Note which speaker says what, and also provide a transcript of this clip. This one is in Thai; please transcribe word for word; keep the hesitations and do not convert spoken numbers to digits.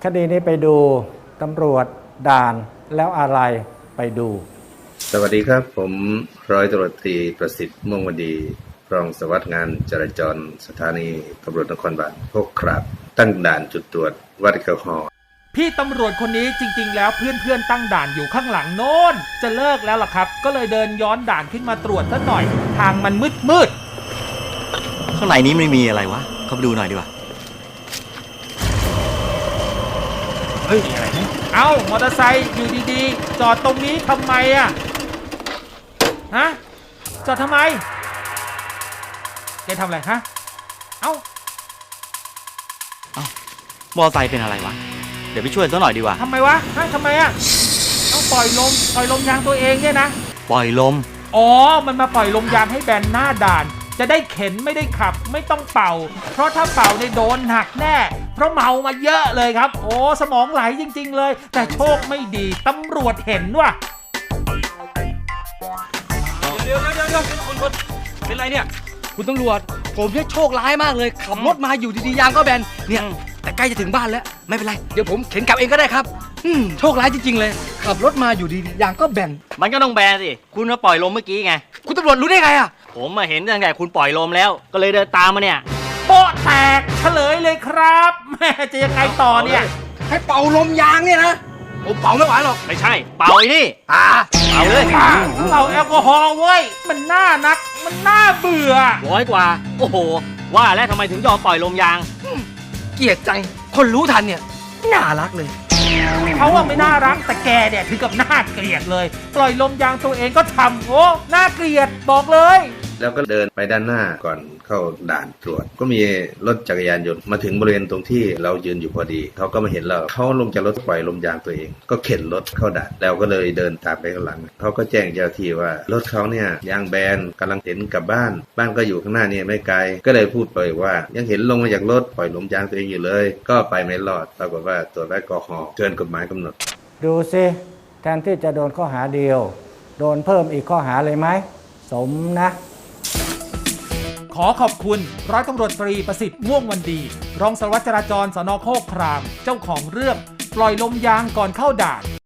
Speaker 1: ดีนี้ไปดูตำรวจด่านแล้วอะไรไปดู
Speaker 2: สวัสดีครับผมร้อยตำรวจตรีประสิทธิ์ม่วงวดีรองสารวัสดิ์งานจราจรสถานีตำรวจนครบาลโคกขามตั้งด่านจุดตรวจวัดแอลกอฮอล์
Speaker 3: พี่ตำรวจคนนี้จริงๆแล้วเพื่อนๆตั้งด่านอยู่ข้างหลังโน้นจะเลิกแล้วล่ะครับก็เลยเดินย้อนด่านขึ้นมาตรวจสักหน่อยทางมันมืดมืด
Speaker 4: ข้างในนี้ไม่มีอะไรวะเข้าไปดูหน่อยดีกว่า
Speaker 3: เฮ้ยอะไรนะเอ้ามอเตอร์ไซค์อยู่ดีๆจอดตรงนี้ทำไมอ่ะฮะจอดทำไมแกทำอะไรฮะเอ้า
Speaker 4: เอ้ามอเตอร์ไซค์เป็นอะไรวะเดี๋ยวไปช่วยสักหน่อยดีกว่า
Speaker 3: ทำไมวะฮะทำไมอ่ะต้องปล่อยลมปล่อยลมยางตัวเองเนี่ยนะ
Speaker 4: ปล่อยลม
Speaker 3: อ๋อมันมาปล่อยลมยางให้แบนหน้าด่านจะได้เข็นไม่ได้ขับไม่ต้องเป่าเพราะถ้าเป่าเนี่ยโดนหักแน่เพราะเมามาเยอะเลยครับโอ้สมองไหลจริงๆเลยแต่โชคไม่ดีตำรวจเห็นว่ะ
Speaker 4: เดี๋ยวเดี๋ยวเดี๋ยวเดี๋ยวคุณคุณเป็นไรเนี่ยคุณตำรวจผมเนี่ยโชคร้ายมากเลยขับรถมาอยู่ดีๆยางก็แบนเนี่ยแต่ใกล้จะถึงบ้านแล้วไม่เป็นไรเดี๋ยวผมเข็นกลับเองก็ได้ครับอืมโชคร้ายจริงๆเลยขับรถมาอยู่ดีๆยางก็แบน
Speaker 5: มันก็ต้องแบนสิคุณมาปล่อยลมเมื่อกี้ไง
Speaker 4: คุณตำรวจรู้ได้ไงอ่ะ
Speaker 5: ผมมาเห็นตั้งแต่คุณปล่อยลมแล้วก็เลยเดินตามมาเนี่ย
Speaker 3: โป๊ะแตกเฉลยเลยครับแม่จะยังไงต่อเนี่ย
Speaker 4: ให้เป่าลมยางเนี่ยนะผมเป่าไม่ไหวหรอก
Speaker 5: ไม่ใช่เป่าไอ้นี่
Speaker 4: อ่า
Speaker 5: เป่าเลย
Speaker 3: เป่าแอลกอฮอล์เว้ยมันน่านักมันน่าเบื่อ
Speaker 5: ร้อยกว่าโอ้โหว่าแล้วทำไมถึงยอมปล่อยลมยาง
Speaker 4: เกลียดจังคนรู้ทันเนี่ยน่ารักเลย
Speaker 3: เขาว่าไม่น่ารักแต่แกเนี่ยถึงกับน่าเกลียดเลยปล่อยลมยางตัวเองก็ทำโอ้น่าเกลียดบอกเลย
Speaker 2: แล้วก็เดินไปด้านหน้าก่อนเข้าด่านตรวจก็มีรถจักรยานยนต์มาถึงบริเวณตรงที่เรายืนอยู่พอดีเขาก็มาเห็นเราเขาลงจากรถปล่อยลมยางตัวเองก็เข็นรถเข้าด่านแล้วก็เลยเดินตามไปข้างหลังเขาก็แจ้งเจ้าหน้าที่ว่ารถเขาเนี่ยยางแบนกำลังเข็นกลับบ้านบ้านก็อยู่ข้างหน้านี่ไม่ไกลก็เลยพูดไปว่ายังเห็นลงมาจากรถปล่อยลมยางตัวเองอยู่เลยก็ไปไม่รอดปรากฏว่าตรวจแอลกอฮอล์เกินกฎหมายกำหนด
Speaker 1: ดูสิแทนที่จะโดนข้อหาเดียวโดนเพิ่มอีกข้อหาเลยไหมสมนะ
Speaker 3: ขอขอบคุณร้อยตำรวจตรีประสิทธิ์ม่วงวันดีรองสารวัตรจราจรสน.โคกครามเจ้าของเรื่องปล่อยลมยางก่อนเข้าด่าน